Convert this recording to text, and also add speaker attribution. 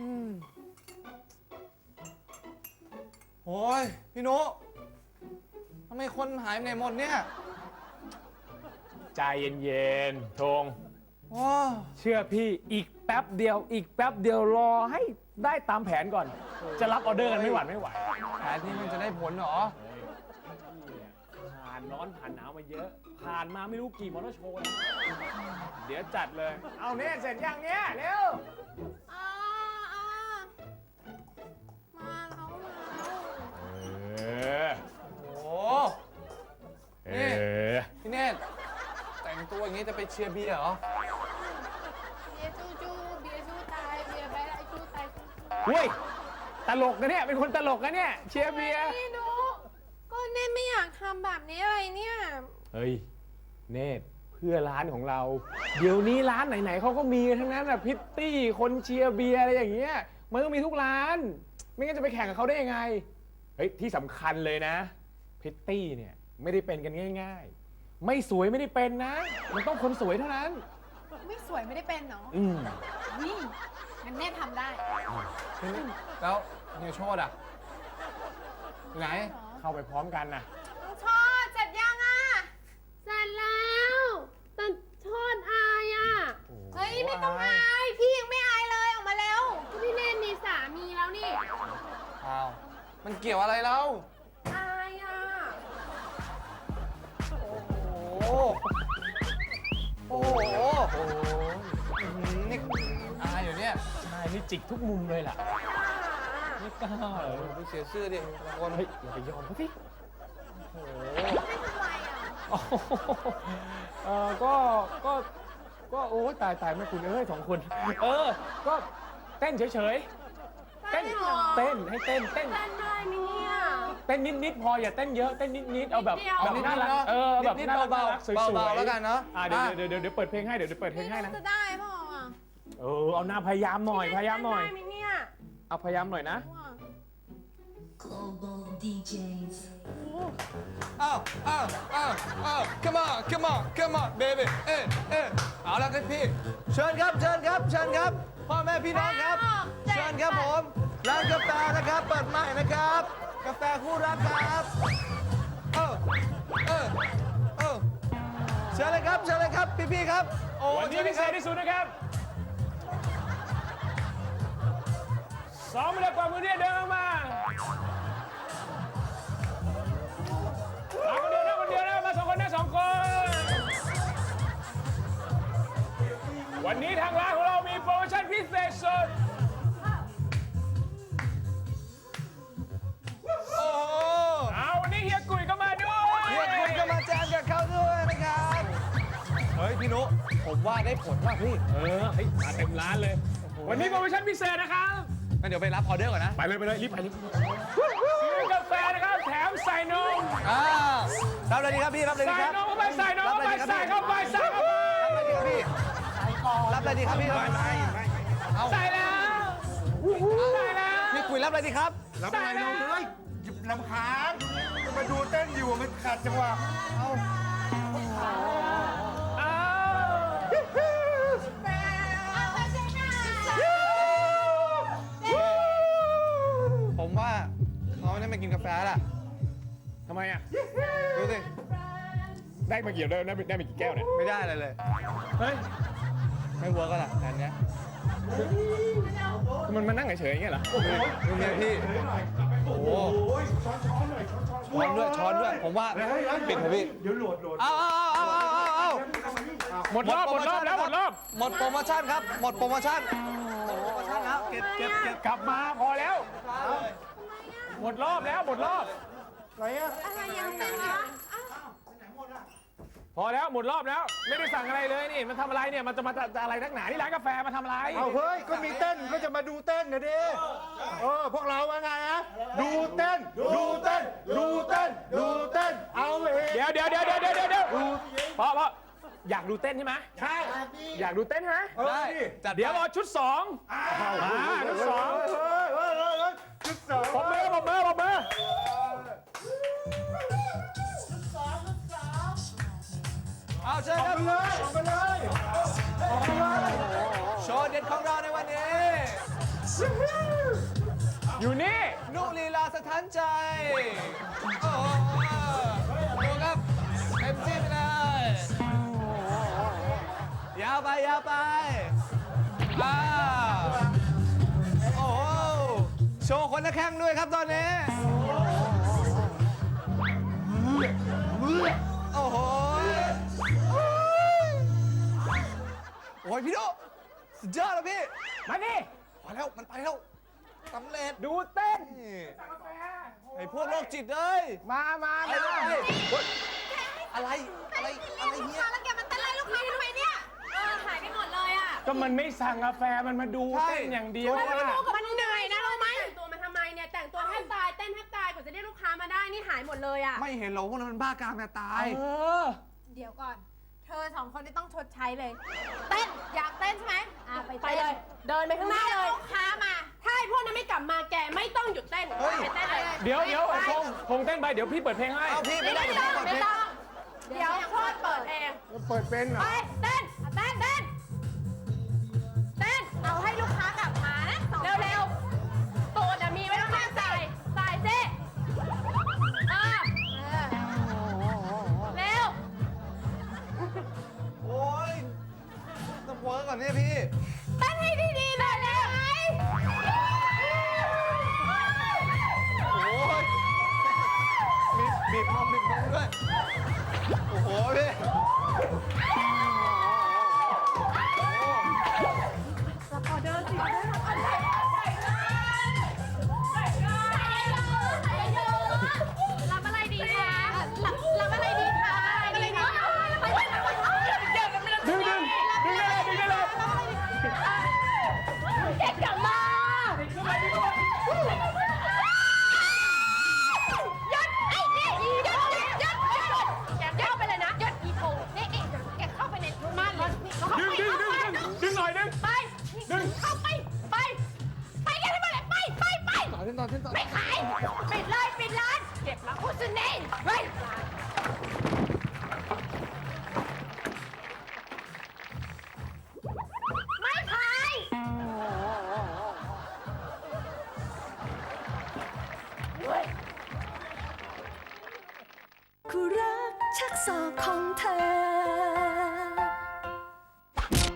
Speaker 1: โอ้ยพี่นุทำไมคนหายไปไหนหมดเนี่ย
Speaker 2: ใจเย็นๆธง
Speaker 1: โอ้
Speaker 2: เชื่อพี่อีกแป๊บเดียวรอให้ได้ตามแผนก่อน จะรับออเดอร์กันไม่หวั่นไม่ไหว
Speaker 1: แผนนี้มันจะได้ผลเหรอ
Speaker 2: ผ่านร้อนผ่านหนาวมาเยอะ ผ่านมาไม่รู้กี่มอเตอร์โชว์แล้วเดี๋ยวจัดเลย เอาเนี่ยเสร็จยังเนี่ยเร็ว
Speaker 3: อ่ามาแล้ว
Speaker 2: เออ
Speaker 1: โอ้
Speaker 2: เอ
Speaker 1: นี่
Speaker 2: อ
Speaker 1: พี่เนตรแต่งตัวอย่างนี้จะไปเชียร์เบียร์เหรอ
Speaker 3: เบียร์จูเบียร์จูตายเบียร์ไปแล้วจูตาย
Speaker 2: เฮ้ยตลกนะเนี่ยเป็นคนตลกนะเนี่ยเชียร์เบียร์
Speaker 3: ไม่รู้ก็เน่ไม่อยากทำแบบนี้เลยเนี่ย
Speaker 2: เฮ้ยเนตรเพื่อร้านของเรา เดี๋ยวนี้ร้านไหนๆเขาก็มีกันทั้งนั้นอะพิตตี้คนเชียร์เบียร์อะไรอย่างเงี้ยมันต้องมีทุกร้าน ไม่งั้นจะไปแข่งกับเขาได้ยังไงเฮ้ยที่สำคัญเลยนะพิตตี้เนี่ยไม่ได้เป็นกันง่ายๆ ไม่สวยไม่ได้เป็นนะ มันต้องคนสวยเท่านั้น
Speaker 3: ไม่สวยไม่ได้เป็นเนาะ
Speaker 2: อืม
Speaker 3: นี่งั้นเน่ทำได้
Speaker 1: แล้วเฮียโชดอ่ะอยู่ไหน
Speaker 2: เข้าไปพร้อมกันนะ
Speaker 3: ชอดเสร็จยังอ่ะเสร็จแล้วแต่ชอดอายอ่ะเฮ้ยไม่ต้องอายพี่ยังไม่อายเลยออกมาแล้วพี่เน่มีสามีแล้วนี่
Speaker 1: อ้าว มันเกี่ยวอะไรแล้ว
Speaker 3: อายอ่ะ
Speaker 1: โอ้โห โอ้โหอื้อหือนี่อายอยู่เนี่ย
Speaker 2: ใช่นี่จิกทุกมุมเลยล่ะไม่กล้าเหรอ
Speaker 1: ดูเสียชื่อดิคน
Speaker 2: เฮ้ยอย่าไปยอมเขาสิ
Speaker 1: โอ้โห
Speaker 3: ไม่ทำไรอ่ะ
Speaker 2: โอ้โหก็โอ้ยตายไม่คุณเอ้ยสองคนก็เต้นเฉยๆเต้นให้เต้น
Speaker 3: เต้นได้ไหมเนี่ย
Speaker 2: เต้นนิดๆพออย่าเต้นเยอะเต้นนิดๆเอาแบบ
Speaker 3: นิดเดียว
Speaker 2: น่ารักแบบ
Speaker 1: นิด
Speaker 2: น่า
Speaker 1: ๆ
Speaker 2: รัก
Speaker 1: เบา
Speaker 2: สวย
Speaker 1: ๆ
Speaker 2: ๆ
Speaker 1: เบาๆแล้วกันเนาะ
Speaker 2: เดี๋ยวเปิดเพลงให้เดี๋ยวเปิดเพลงให้นะ
Speaker 3: จะได้เปล่าอ่ะ
Speaker 2: เอาหน้าพยายามหน่อย
Speaker 3: ได้ไหมเนี่ย
Speaker 2: เอาพยายามหน่อยนะ
Speaker 4: Global DJs.
Speaker 1: อ้าวcome on baby เอาละครับพี่ เชิญครับ พ่อแม่พี่น้องครับ เชิญครับผม ร้านกาแฟนะครับ เปิดใหม่นะครับ กาแฟคู่รักครับ เชิญเลยครับ พี่ๆครับ โอ้
Speaker 2: วันนี้พิเศษที่สุดนะครับ2 เดือนกว่ามือเนี่ยเดินมาคนเดียวนะมา2 คนนะ2 คน วันนี้ทางร้านของเรามีโปรโมชั่นพิเศษสุด
Speaker 1: โอ้โห
Speaker 2: วันนี้เฮียกุยก็มาด้วย
Speaker 1: เฮียคุณก็มาแจมกับเขาด้วยนะครับ เฮ้ยพี่นุผมว่าได้ผลว่ะพี่
Speaker 2: เฮ้ยมาเต็มร้านเลย วันนี้โปรโมชั่นพิเศษนะครับ
Speaker 1: งั้นเดี๋ยวไปรับออเดอร์ก่อนนะ
Speaker 2: ไปเลยรีบซื้อกาแฟนะครับแถมใส่นม
Speaker 1: รับเลยดีครับพี่ รับเลยดี
Speaker 2: ใส่
Speaker 1: ครับ
Speaker 2: นมเข้าไปใส่นมเข้าไปใส่เข้าไปใส่เข้าไป
Speaker 1: รับเลยดีครับพี่ รับเลยดีครับพี่เอา
Speaker 2: ใส่แล้วใส่แล้ว
Speaker 1: พี่กุยรับเลยดีครับ
Speaker 5: รับอะไรน้องเลยหยิบลำคาญมาดูเต้นอยู่มันขัดจังหวะ
Speaker 2: อ้าว
Speaker 1: ผมว่าเขาไม่ได้มากินกาแฟแล้วล่ะ
Speaker 2: ทำไมอ่ะ
Speaker 1: ดูสิ
Speaker 2: ได้มากี่ได้มากี่แก้วเนี่ย
Speaker 1: ไม่ได้อะไรเลย
Speaker 2: เฮ้ย
Speaker 1: ไม่เวิร์กก็ล่ะแต่อันเนี้ย
Speaker 2: มันมานั่งเฉยๆอย่างเงี้ยเหรอ
Speaker 1: ดูเนี่ยพี่ โอ้โหช้อนด้วย ผมว่าปิดเถอะพี่
Speaker 5: เดี๋ยวโหลด
Speaker 1: เอา
Speaker 2: หมดรอบแล้วหมดรอบ
Speaker 1: หมดโปรโมชั่นครับ หมดโปรโมชั่นแล้วเก็บ
Speaker 2: กลับมาพอแล้ว หมดรอบแล้วหมดรอบ
Speaker 3: อะไรยังไม่มี
Speaker 2: พอแล้วหมดรอบแล้ว ไม่ได้สั่งอะไรเลยนี่มันทำอะไรเนี่ยมันจะมาอะไรนักหนาที่ร้านกาแฟมาทำอะไร
Speaker 5: เอาเฮ้ยก็มีเต้นก็จะมาดูเต้นนะดิพวกเราว่าไงฮะดูเต้นเอาเอง
Speaker 2: เดี๋ยวพออยากดูเต้นใช่ไหม
Speaker 5: ใช่
Speaker 2: อยากดูเต้นใช่ไหม
Speaker 1: ได้จัด
Speaker 2: เดี๋ยวรอชุด2ชุด 2
Speaker 5: ชุดสอง
Speaker 2: ปมมือ
Speaker 1: เอาเชิญครับ
Speaker 5: เลยออกมาเลย
Speaker 1: โชว์เด็ดของเราในวันนี้
Speaker 2: อยู่นี่
Speaker 1: นุลีลาสะท้านใจ โอ้โหดูครับเต็มที่ไปเลย ยาวไป ยาวไปโอ้โห โชว์คนละแข้งด้วยครับตอนนี้ โอ้โห โอ้ยพี่โดสุดยอดแล้วพี่
Speaker 2: มาดิ
Speaker 1: พอแล้ว มันไปแล้วสำเร็จ
Speaker 2: ดูเต้น
Speaker 1: นี่ไอ้พวกโรคจิตเลย
Speaker 2: มา
Speaker 1: ไปเลยอะไรเนี่ย
Speaker 3: แล้วแกมันเต้นไล่ลูกค้าทำไมเนี่ย หายไปหมดเลยอ่ะ
Speaker 2: ก็มันไม่สั่งกาแฟมันมาดู
Speaker 1: ใช่
Speaker 2: เต้นอย่างเดียว
Speaker 3: มัน
Speaker 2: อะ
Speaker 3: เหนื่อยนะรู้ไหม
Speaker 4: แต่งตัวมาทำไมเนี่ย แต่งตัวแทบตาย เต้นแทบตายกว่าจะเรียกลูกค้ามาได้ นี่หายหมดเลยอ่ะ
Speaker 1: ไม่เห็นหรอกพวกนั้นมันบ้ากามจะตาย
Speaker 2: เออ
Speaker 3: เดี๋ยวก่อน เธอสองคนนี่ต้องชดใช้เลย เต้น อยากเต้นใช่ไหมไป
Speaker 4: ไปเลย เดินไปข้างหน้าเลย
Speaker 3: ลูกค้ามา
Speaker 4: ถ้าไอ้พวกนั้นไม่กลับมาแกไม่ต้องหยุดเต้น
Speaker 1: เฮ้ย
Speaker 4: ไปเต้นเลย
Speaker 2: เดี๋ยวคงเต้นไปเดี๋ยวพี่เปิดเพลงให้
Speaker 1: เอาพี่ไม่ได้
Speaker 4: ไม่
Speaker 1: เดี๋ยว
Speaker 4: ต้อง
Speaker 1: พี่เปิดเพลง
Speaker 4: ไม่ต้อง เดี๋ยวโคตรเปิดเอง
Speaker 2: เปิดเป็นเหรอ
Speaker 4: ไปเต้น เต้น เต้น เต้น
Speaker 3: เอาให้ลูกค้ากลับมานะสองคน
Speaker 4: เร็วๆตูดอะมีไว้ข้างๆใส่เซ่เร็ว
Speaker 1: โอ้ยต้องเวิร์กก่อนเนี่ยพี่
Speaker 3: เต้นให้ดีๆหน่อยได้ไหม
Speaker 1: โอ้ยมีบีบนมด้วย โอ้โหพี่
Speaker 3: รับอะไรดีคะรับอะไรดีคะอะไรดีคะ
Speaker 2: ดึงได้เลย
Speaker 3: เก็บกลับมายัดไอ้นี่ยัดเข้าไปเลยนะยัดอีโพนี่แกเข้าไปในม่านเลย
Speaker 2: ดึงหน่อยดึง
Speaker 3: ไปเข้าไปกันให้หมดเลยไป
Speaker 1: ต่อเต้นต่อ
Speaker 3: ไม่ขายปิดเลยปิดร้านเก็บมาโฆษณาเฮ้ยไม่ขาย
Speaker 6: คู่รักชักศอกของเธอ